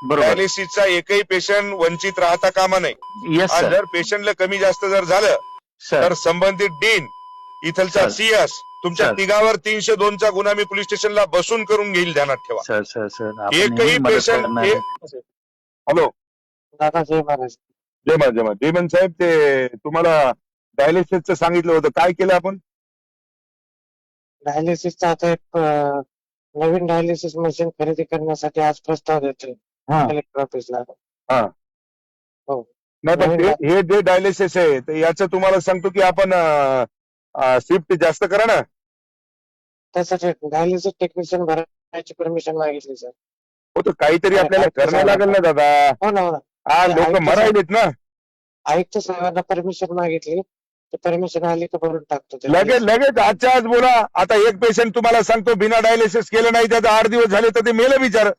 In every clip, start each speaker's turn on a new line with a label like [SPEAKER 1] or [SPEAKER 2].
[SPEAKER 1] बरोबर.
[SPEAKER 2] डायलिसिसचा एकही पेशंट वंचित राहता कामा नये.
[SPEAKER 1] येस
[SPEAKER 2] आणि
[SPEAKER 1] सर.
[SPEAKER 2] जर पेशंटला कमी जास्त जर झालं
[SPEAKER 1] सर
[SPEAKER 2] तर संबंधित डीन इथलचा
[SPEAKER 1] सर.
[SPEAKER 2] सीएस तुमच्या
[SPEAKER 1] सर.
[SPEAKER 2] तिघावर 302 चा गुन्हा मी पोलीस स्टेशनला बसून करून घेईल, ध्यानात ठेवा.
[SPEAKER 1] सर सर सर आपण
[SPEAKER 2] एकही
[SPEAKER 1] नेहमी मदत
[SPEAKER 2] पेशंट
[SPEAKER 1] करणार आहे.
[SPEAKER 2] हॅलो
[SPEAKER 3] दादा जय महाराज.
[SPEAKER 2] जय मा जय मा देमन साहेब, ते तुम्हाला डायलिसिसचं सांगितलं होतं, काय केलं आपण?
[SPEAKER 3] डायलिसिसचा आता एक नवीन डायलिसिस मशीन खरेदी करण्यासाठी आज प्रस्ताव देतोय कलेक्टर ऑफिसला.
[SPEAKER 2] हा.
[SPEAKER 3] हो.
[SPEAKER 2] नाही पण हे जे डायलिसिस आहे तर याचं तुम्हाला सांगतो की आपण शिफ्ट जास्त करा ना.
[SPEAKER 3] त्यासाठी डायलिसिस टेक्निशियन भरायची परमिशन मागितली सर.
[SPEAKER 2] हो तर काहीतरी आपल्याला करणं लागेल ना दादा.
[SPEAKER 3] हो ना, हो ना.
[SPEAKER 2] हा लोक मरायलेत ना.
[SPEAKER 3] आयुक्त साहेबांना परमिशन मागितली, ते परमिशन आली तर भरून टाकतो ते.
[SPEAKER 2] लगेच आजच्या आज बोला. आता एक पेशंट तुम्हाला सांगतो बिना डायलिसिस केलं नाही, त्याचा 8 दिवस झाले तर ते मेलं बिचार.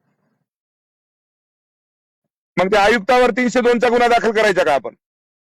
[SPEAKER 2] मग ते आयुक्तावर 302 चा गुन्हा दाखल करायचा का आपण?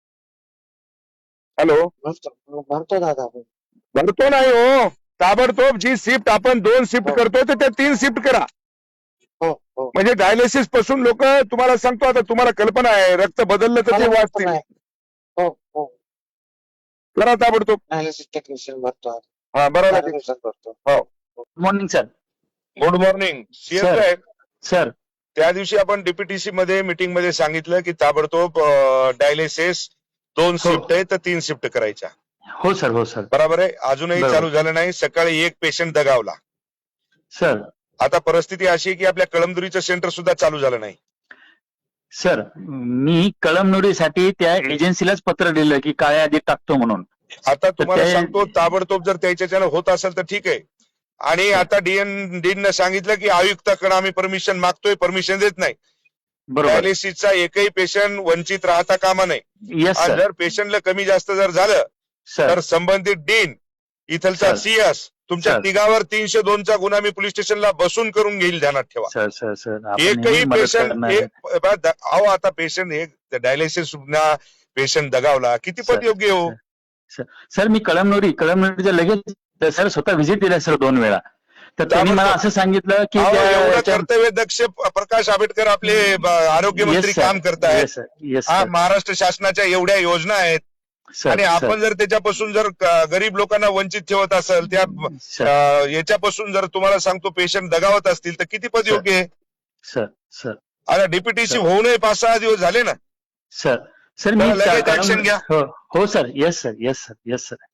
[SPEAKER 2] हॅलो,
[SPEAKER 3] भरतो दादा.
[SPEAKER 2] भरतो नाही हो, ताबडतोब जी शिफ्ट आपण 2 शिफ्ट करतो तर त्या 3 शिफ्ट करा.
[SPEAKER 3] हो हो.
[SPEAKER 2] म्हणजे डायलिसिस पासून लोक, तुम्हाला सांगतो आता, तुम्हाला कल्पना आहे रक्त बदललं तर ते वाचतील.
[SPEAKER 3] हो हो.
[SPEAKER 2] करा ताबडतोब.
[SPEAKER 3] डायलिसिस टेक्निशियन भरतो.
[SPEAKER 2] हा बरोबर.
[SPEAKER 3] भरतो.
[SPEAKER 2] हो.
[SPEAKER 1] Good morning sir.
[SPEAKER 2] Good morning CS
[SPEAKER 1] sir.
[SPEAKER 2] साहेब.
[SPEAKER 1] सर
[SPEAKER 2] त्या दिवशी आपण डीपीटीसी मध्ये मीटिंग मध्ये सांगितलं की ताबडतोब डायलिसिस 2 शिफ्ट आहे तर 3 शिफ्ट करायच्या.
[SPEAKER 1] हो सर. हो सर.
[SPEAKER 2] बरोबर आहे. अजूनही
[SPEAKER 1] बरोबर.
[SPEAKER 2] चालू झालं नाही. सकाळी एक पेशंट दगावला.
[SPEAKER 1] सर.
[SPEAKER 2] आता परिस्थिती अशी आहे की आपल्या कळमदुरीचं सेंटर सुद्धा चालू झालं नाही.
[SPEAKER 1] सर मी कळमनुरीसाठी त्या एजन्सीलाच पत्र दिलं की काळ्या यादीत टाकतो म्हणून.
[SPEAKER 2] आता तुम्हाला
[SPEAKER 1] ते-
[SPEAKER 2] सांगतो ताबडतोब जर त्याच्याच्यानं होत असेल तर ठीक आहे. आणि आता डीन सांगितलं की आयुक्ताकडे आम्ही परमिशन मागतोय, परमिशन देत नाही.
[SPEAKER 1] बरोबर.
[SPEAKER 2] डायलिसिसचा एकही पेशंट वंचित राहता कामा नये.
[SPEAKER 1] येस
[SPEAKER 2] आणि
[SPEAKER 1] सर.
[SPEAKER 2] जर पेशंटला कमी जास्त जर झालं
[SPEAKER 1] सर
[SPEAKER 2] तर संबंधित डीन इथलचा
[SPEAKER 1] सर.
[SPEAKER 2] सीएस तुमच्या
[SPEAKER 1] सर.
[SPEAKER 2] तिघावर 302 चा गुन्हा मी पोलीस स्टेशनला बसून करून घेईल, ध्यानात ठेवा.
[SPEAKER 1] सर सर सर आपण
[SPEAKER 2] एकही
[SPEAKER 1] नेहमी मदत
[SPEAKER 2] पेशंट
[SPEAKER 1] करणार आहे.
[SPEAKER 2] अहो आता पेशंट एक डायलिसिस पेशंट दगावला, किती
[SPEAKER 1] सर.
[SPEAKER 2] पद योग्य हो.
[SPEAKER 1] सर मी कळमनुरीच्या लगेच सर स्वतः व्हिजिट दिला सर 2 वेळा. तर त्यांनी मला असं सांगितलं की
[SPEAKER 2] अहो, एवढं
[SPEAKER 1] त्या-
[SPEAKER 2] कर्तव्य दक्ष प्रकाश आंबेडकर आपले आरोग्य मंत्री
[SPEAKER 1] Yes, sir.
[SPEAKER 2] काम करतायत.
[SPEAKER 1] Yes, sir. Yes,
[SPEAKER 2] हा
[SPEAKER 1] sir.
[SPEAKER 2] महाराष्ट्र शासनाच्या एवढ्या योजना आहेत
[SPEAKER 1] सर,
[SPEAKER 2] आणि
[SPEAKER 1] सर,
[SPEAKER 2] आपण जर त्याच्यापासून जर गरीब लोकांना वंचित ठेवत असेल, त्या
[SPEAKER 1] सर,
[SPEAKER 2] याच्यापासून जर तुम्हाला सांगतो पेशंट दगावत असतील तर किती पद
[SPEAKER 1] सर.
[SPEAKER 2] योग्य आहे.
[SPEAKER 1] सर सर
[SPEAKER 2] आता डीपीटीसी
[SPEAKER 1] सर.
[SPEAKER 2] होऊनही 5-6 दिवस झाले ना.
[SPEAKER 1] सर सर मी
[SPEAKER 2] लगेच action घ्या.
[SPEAKER 1] हो sir. Yes sir. Yes sir. Yes sir.